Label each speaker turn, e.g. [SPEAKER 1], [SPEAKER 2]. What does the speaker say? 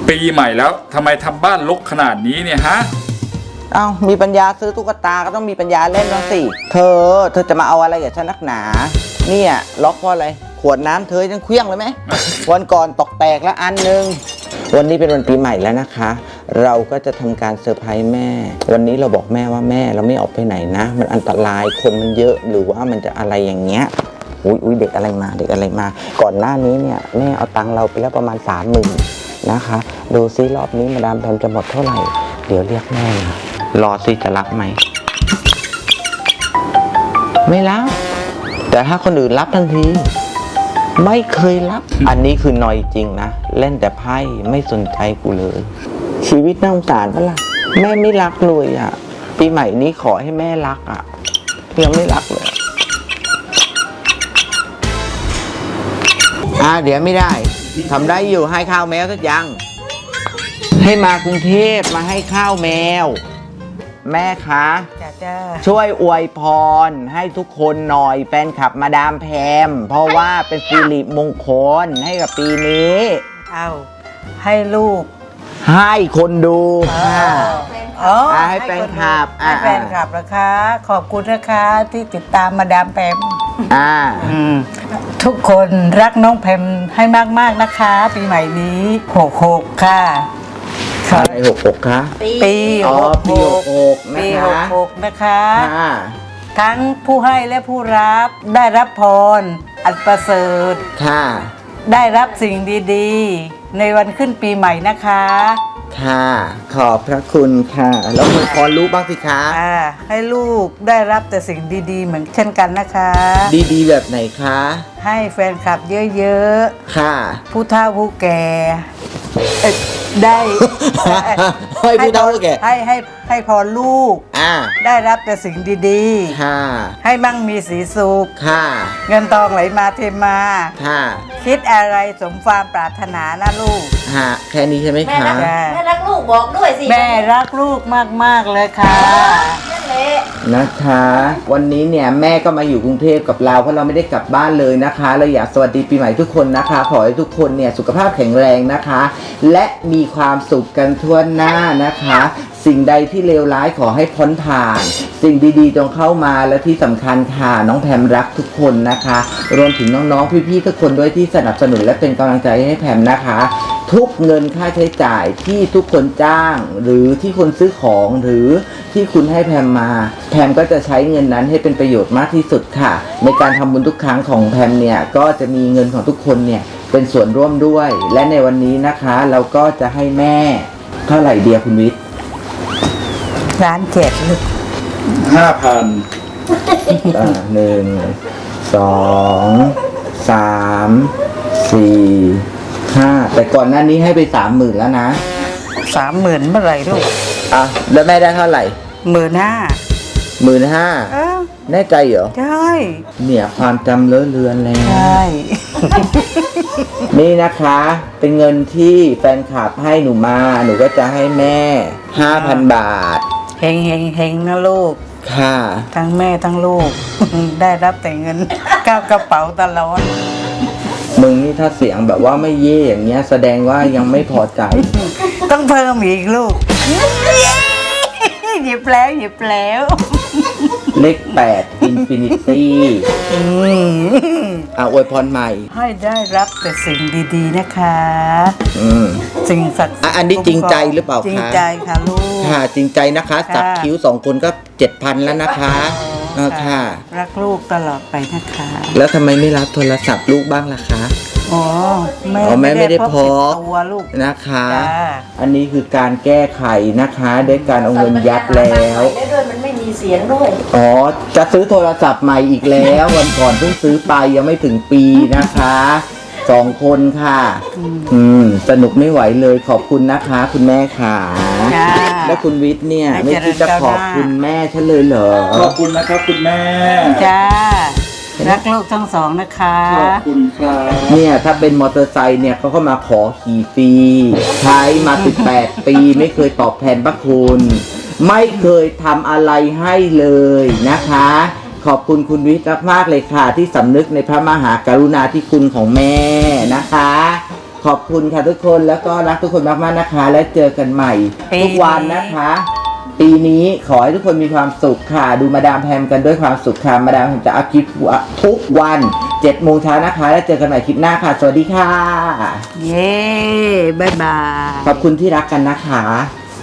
[SPEAKER 1] ปีใหม่แล้วทำไมทำบ้านรกขนาดนี้เนี่ยฮะ
[SPEAKER 2] มีปัญญาซื้อตุ๊กตาก็ต้องมีปัญญาเล่นบ้างสิเธอจะมาเอาอะไรกับฉันนักหนาเนี่ยล็อกเพราะอะไรขวดน้ำเธอยังเคลี้ยงเลยไหม วันก่อนตกแตกแล้วอันนึงวันนี้เป็นวันปีใหม่แล้วนะคะเราก็จะทำการเซอร์ไพรส์แม่วันนี้เราบอกแม่ว่าแม่เราไม่ออกไปไหนนะมันอันตรายคนมันเยอะหรือว่ามันจะอะไรอย่างเงี้ยอุ้ยเด็กอะไรมาก่อนหน้านี้เนี่ยแม่เอาตังค์เราไปแล้วประมาณ30,000นะคะดูซิรอบนี้มาดามแพมจะหมดเท่าไหร่เดี๋ยวเรียกแม่มารอซิจะรับไหมไม่รับแต่ถ้าคนอื่นรับทันทีไม่เคยรับอันนี้คือนอยจริงนะเล่นแต่ไพ่ไม่สนใจกูเลยชีวิตน่าสงสารปะล่ะแม่ไม่รักเลยอ่ะปีใหม่นี้ขอให้แม่รักอ่ะยังไม่รักเลยเดี๋ยวไม่ได้ทำได้อยู่ให้ข้าวแมวสักยังให้มากรุงเทพมาให้ข้าวแมวแม่คะ
[SPEAKER 3] จ้า
[SPEAKER 2] ช่วยอวยพรให้ทุกคนหน่อยแฟนคลับมาดามแพมเพราะว่าเป็นสิริมงคลให้กับปีนี้
[SPEAKER 3] ให้ลูก
[SPEAKER 2] ให้คนดูให้แฟนคลับ
[SPEAKER 3] ให้แฟนคลับนะคะขอบคุณนะคะที่ติดตามมาดามแพมทุกคนรักน้องแพมให้มากๆนะคะปีใหม่นี้66ค่ะ
[SPEAKER 2] อะไร66คะ
[SPEAKER 3] ปี
[SPEAKER 2] 66
[SPEAKER 3] นะคะทั้งผู้ให้และผู้รับได้รับพรอันประเสริฐ
[SPEAKER 2] ค่ะ
[SPEAKER 3] ได้รับสิ่งดีๆในวันขึ้นปีใหม่นะคะ
[SPEAKER 2] ค่ะขอบพระคุณค่ะแล้วคุณพรรู้บ้างสิคะ
[SPEAKER 3] ให้ลูกได้รับแต่สิ่งดีๆเหมือนเช่นกันนะคะ
[SPEAKER 2] ดีๆแบบไหนคะ
[SPEAKER 3] ให้แฟนคลับเยอะ
[SPEAKER 2] ๆค่ะ
[SPEAKER 3] ผู้เฒ่าผู้แก่ได้
[SPEAKER 2] ให้ผู้เฒ่าผู้แก่
[SPEAKER 3] ให้พรลูกได้รับแต่สิ่งดีๆ
[SPEAKER 2] ค่ะ
[SPEAKER 3] ให้มั่งมีสีสุข
[SPEAKER 2] ค่ะ
[SPEAKER 3] เงินทองไหลมาเทมา
[SPEAKER 2] ค่ะ
[SPEAKER 3] คิดอะไรสมความปรารถนานะลูก
[SPEAKER 2] แค่นี้ใช่ไหมคะ
[SPEAKER 4] แม่รักลูกบอกด้วยสิ
[SPEAKER 3] แม่รักลูกมากๆเลยค่ะ
[SPEAKER 2] นะคะวันนี้เนี่ยแม่ก็มาอยู่กรุงเทพกับเราเพราะเราไม่ได้กลับบ้านเลยนะคะเราอยากสวัสดีปีใหม่ทุกคนนะคะขอให้ทุกคนเนี่ยสุขภาพแข็งแรงนะคะและมีความสุขกันทั่วหน้านะคะสิ่งใดที่เลวร้ายขอให้พ้นผ่านสิ่งดีๆจงเข้ามาและที่สำคัญค่ะน้องแพมรักทุกคนนะคะรวมถึงน้องๆพี่ๆทุกคนด้วยที่สนับสนุนและเป็นกำลังใจให้แพมนะคะทุกเงินค่าใช้จ่ายที่ทุกคนจ้างหรือที่คนซื้อของหรือที่คุณให้แพมมาแพมก็จะใช้เงินนั้นให้เป็นประโยชน์มากที่สุดค่ะในการทำบุญทุกครั้งของแพมเนี่ยก็จะมีเงินของทุกคนเนี่ยเป็นส่วนร่วมด้วยและในวันนี้นะคะเราก็จะให้แม่เท่าไหร่เดียคุณวิทย์
[SPEAKER 3] 1,700,000ลูก
[SPEAKER 1] 5,000
[SPEAKER 2] 1 2 3 4 5แต่ก่อนหน้านี้ให้ไป30,000แล้วนะ
[SPEAKER 3] 30,000เมื่อไหร่ลูก
[SPEAKER 2] แล้วแม่ได้เท่าไหร่
[SPEAKER 3] 15,000
[SPEAKER 2] แน่ใจเหรอ
[SPEAKER 3] ใช่
[SPEAKER 2] เนี่ยความจำเลอะเลือนแล้ว
[SPEAKER 3] ใช่
[SPEAKER 2] นี่นะคะเป็นเงินที่แฟนคลับให้หนูมาหนูก็จะให้แม่ 5,000 บาท
[SPEAKER 3] เฮงนะลูก
[SPEAKER 2] ค่ะ
[SPEAKER 3] ทั้งแม่ทั้งลูก ได้รับแต่เงินก้าวกระเป๋าตลอด
[SPEAKER 2] มึงนี่ถ้าเสียงแบบว่าไม่เย่อย่างเงี้ยแสดงว่ายังไม่พอใจ
[SPEAKER 3] ต้องเพิ่มอีกลูกหยิบแล้ว
[SPEAKER 2] เลข8 Infinity อวยพรใหม่
[SPEAKER 3] ให้ได้รับแต่สิ่งดีๆนะคะสิ่งศักดิ์สิทธิ์
[SPEAKER 2] อันนี้จริงใจหรือเปล่าคะ
[SPEAKER 3] จริงใจค่ะลูก
[SPEAKER 2] ค่ะจริงใจนะคะสักคิ้ว2คนก็ 7,000 แล้วนะคะค่ะ
[SPEAKER 3] รักลูกตลอดไปนะคะ
[SPEAKER 2] แล้วทำไมไม่รับโทรศัพท์ลูกบ้างล่ะคะ
[SPEAKER 3] แม่
[SPEAKER 2] ไม่ได้พก
[SPEAKER 3] ตัวลูก
[SPEAKER 2] นะคะอันนี้คือการแก้ไขนะคะด้วยการเอาเงินยัดแล้ว
[SPEAKER 4] มันไม่มีเสียงด้วย
[SPEAKER 2] จะซื้อโทรศัพท์ใหม่อีกแล้ววันก่อนเพิ่งซื้อไปยังไม่ถึงปีนะคะ2 คนค่ะสนุกไม่ไหวเลยขอบคุณนะคะคุณแม่ค่ะแล้วคุณวิทย์เนี่ยไม่คิดจะขอบคุณแม่ฉันเลยเหรอ
[SPEAKER 1] ขอบคุณนะครับคุณแม่
[SPEAKER 3] จ้ารักลูกทั้ง2นะคะ
[SPEAKER 1] ขอบคุณครับ
[SPEAKER 2] เนี่ยถ้าเป็นมอเตอร์ไซค์เนี่ยเขาก็มาขอขี่ฟรีใช้มา18 ปีไม่เคยตอบแทนพระคุณไม่เคยทำอะไรให้เลยนะคะขอบคุณคุณวิทย์มากเลยค่ะที่สำนึกในพระมหากรุณาธิคุณของแม่นะคะขอบคุณค่ะทุกคนแล้วก็รักทุกคนมากๆนะคะ และเจอกันใหม่ทุกวันนะคะ ปีนี้ขอให้ทุกคนมีความสุขค่ะ ดูมาดามแพมกันด้วยความสุขค่ะมาดามแพมจะอัพคลิปทุกวัน7 โมงเช้านะคะ แล้วเจอกันใหม่คลิปหน้าค่ะ สวัสดีค่ะ
[SPEAKER 3] เย้บายบาย
[SPEAKER 2] ขอบคุณที่รักกันนะคะ